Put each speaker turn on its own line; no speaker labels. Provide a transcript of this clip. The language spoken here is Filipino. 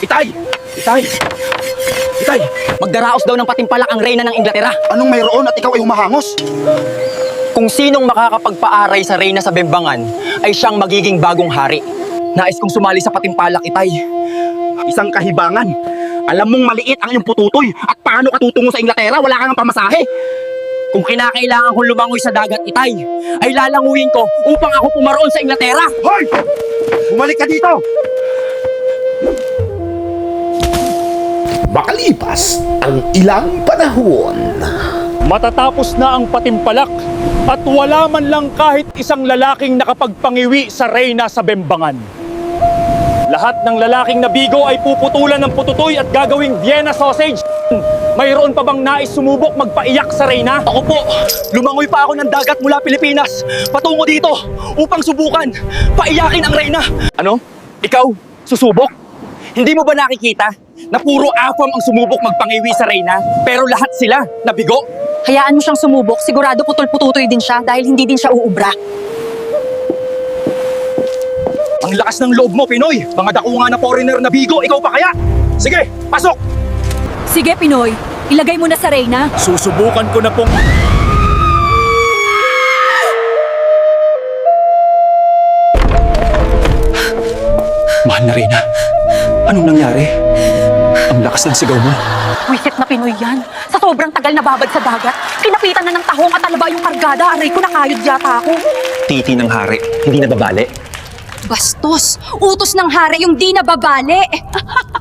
Itay! Itay! Itay!
Magdaraos daw ng patimpalak ang reyna ng Inglaterra.
Anong mayroon at ikaw ay humahangos?
Kung sinong makakapagpaaray sa reyna sa Bembangan ay siyang magiging bagong hari. Nais kong sumali sa patimpalak, Itay.
Isang kahibangan. Alam mong maliit ang iyong pututoy at paano ka tutungo sa Inglaterra? Wala kang pamasahe.
Kung kinakailangan kong lumangoy sa dagat, Itay, ay lalanguyin ko upang ako pumaroon sa Inglaterra.
Hoy! Bumalik ka dito!
Makalipas ang ilang panahon.
Matatapos na ang patimpalak at wala man lang kahit isang lalaking nakapagpangiwi sa reyna sa Bembangan. Lahat ng lalaking nabigo ay puputulan ng pututoy at gagawing Vienna sausage. Mayroon pa bang nais sumubok magpaiyak sa reyna?
Ako po, lumangoy pa ako ng dagat mula Pilipinas patungo dito upang subukan paiyakin ang reyna. Ano? Ikaw? Susubok? Hindi mo ba nakikita na puro afam ang sumubok magpangiwi sa reyna pero lahat sila nabigo?
Hayaan mo siyang sumubok, sigurado putol-pututoy din siya dahil hindi din siya uubra.
Ang lakas ng loob mo, Pinoy! Mga dakunga na foreigner na bigo, ikaw pa kaya? Sige, pasok!
Sige, Pinoy, ilagay mo na sa reyna.
Susubukan ko na pong...
Mahal na Reyna, anong nangyari? Ang lakas ng sigaw mo.
Wisit na Pinoy yan. Sa sobrang tagal na babad sa dagat, kinapitan na ng tahong at alaba yung kargada. Aray ko, nakayod yata ako.
Titi ng hari, hindi nababali.
Bastos! Utos ng hari yung di nababali!